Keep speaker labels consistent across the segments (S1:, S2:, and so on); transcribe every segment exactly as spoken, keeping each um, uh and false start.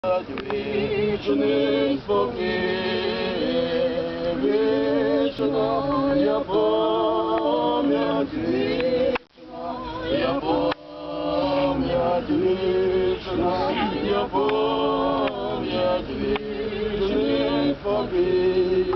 S1: Вічний спокій, вічна я пам'ять вічна, я пам'ять вічна, я пам'ять вічний спокій.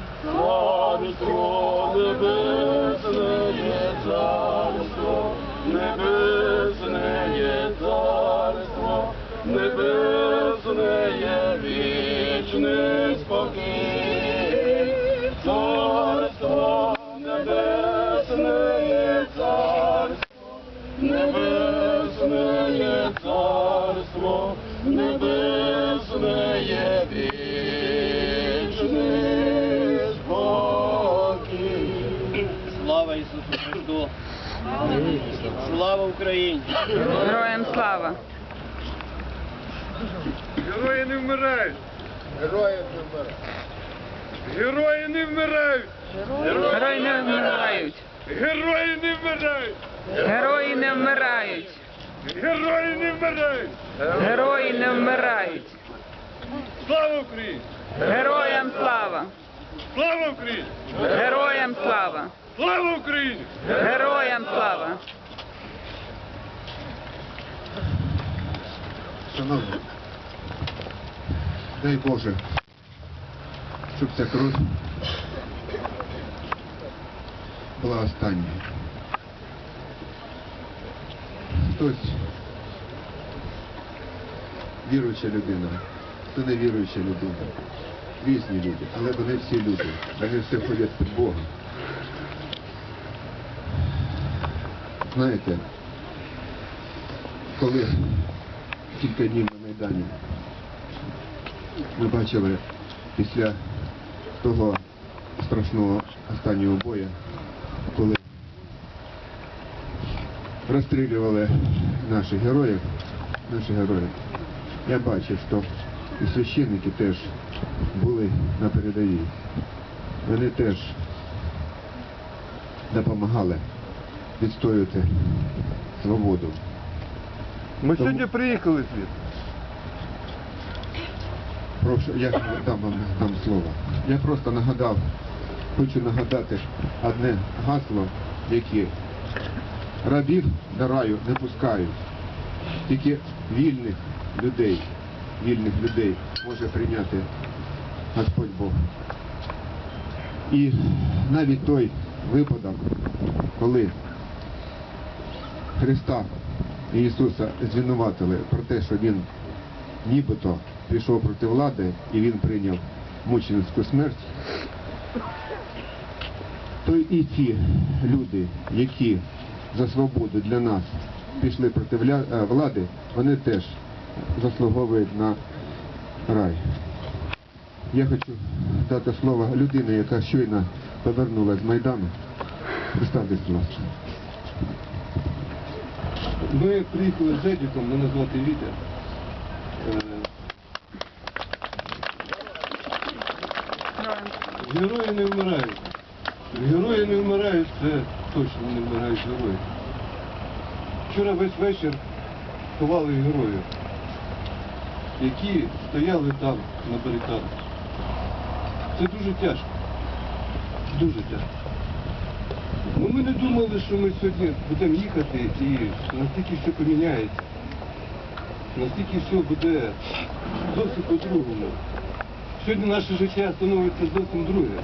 S1: Царство небесне є царство, небесне є царство, небесне є вічний спокій. Царство небесне є царство, небесне є царство, небесне є вічний спокій.
S2: Слава Ісусу Христу! Слава Україні!
S3: Героям слава!
S4: Герої не вмирають!
S1: Герої не вмирають!
S4: Герої не вмирають!
S3: Герої не вмирають!
S4: Герої не вмирають!
S3: Герої не вмирають!
S4: Герої не вмирають!
S3: Герої не вмирають!
S4: Слава Україні!
S3: Героям слава!
S4: Слава Україні!
S3: Героям слава!
S4: Слава Україні!
S3: Героям слава!
S5: Шановні, дай Боже, щоб ця кров була останньою. Хтось віруюча людина, хто не віруюча людина. Різні люди, але вони всі люди. Вони всі ходять під Богом. Знаєте, коли кілька днів на Майдані ми бачили після того страшного останнього бою, коли розстрілювали наших героїв, наших героїв, я бачив, що і священники теж були на передовій. Вони теж допомагали відстоювати свободу.
S4: Ми
S5: Тому-
S4: сьогодні приїхали звідти.
S5: Прошу, я дам вам дам слово. Я просто нагадав, хочу нагадати одне гасло, яке рабів до раю не пускають. Тільки вільних людей, вільних людей може прийняти Господь Бог. І навіть той випадок, коли Христа і Ісуса звинуватили про те, що Він нібито пішов проти влади і Він прийняв мученицьку смерть, то і ті люди, які за свободу для нас пішли проти влади, вони теж заслуговують на рай. Я хочу дати слово людині, яка щойно повернулася з Майдану. Представтесь, будь ласка.
S6: Ми приїхали з Едіком, мене звати Вітя. Е, Герої не вмирають. Герої не вмирають, це точно не вмирають герої. Вчора весь вечір ховали героїв, які стояли там на барикадах. Це дуже тяжко. Дуже тяжко. Ну, ми не думали, що ми сьогодні будемо їхати і настільки все поміняється. Настільки все буде зовсім по-другому. Сьогодні наше життя становиться зовсім друге.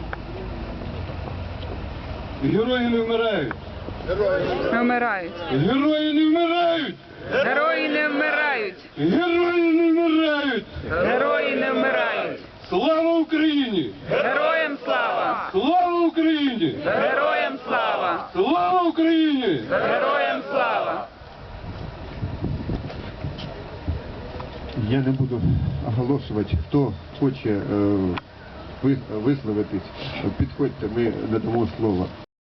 S6: Герої не вмирають.
S3: Не вмирають!
S6: Герої не вмирають!
S3: Герої не вмирають!
S6: Герої не вмирають!
S3: Герої не вмирають!
S6: Слава Україні!
S3: Героям слава!
S6: Слава Україні!
S3: Героям слава!
S6: Слава Україні!
S3: Героям слава!
S5: Я не буду оголошувати, хто хоче е, ви- висловитись, підходьте, ми надамо слово.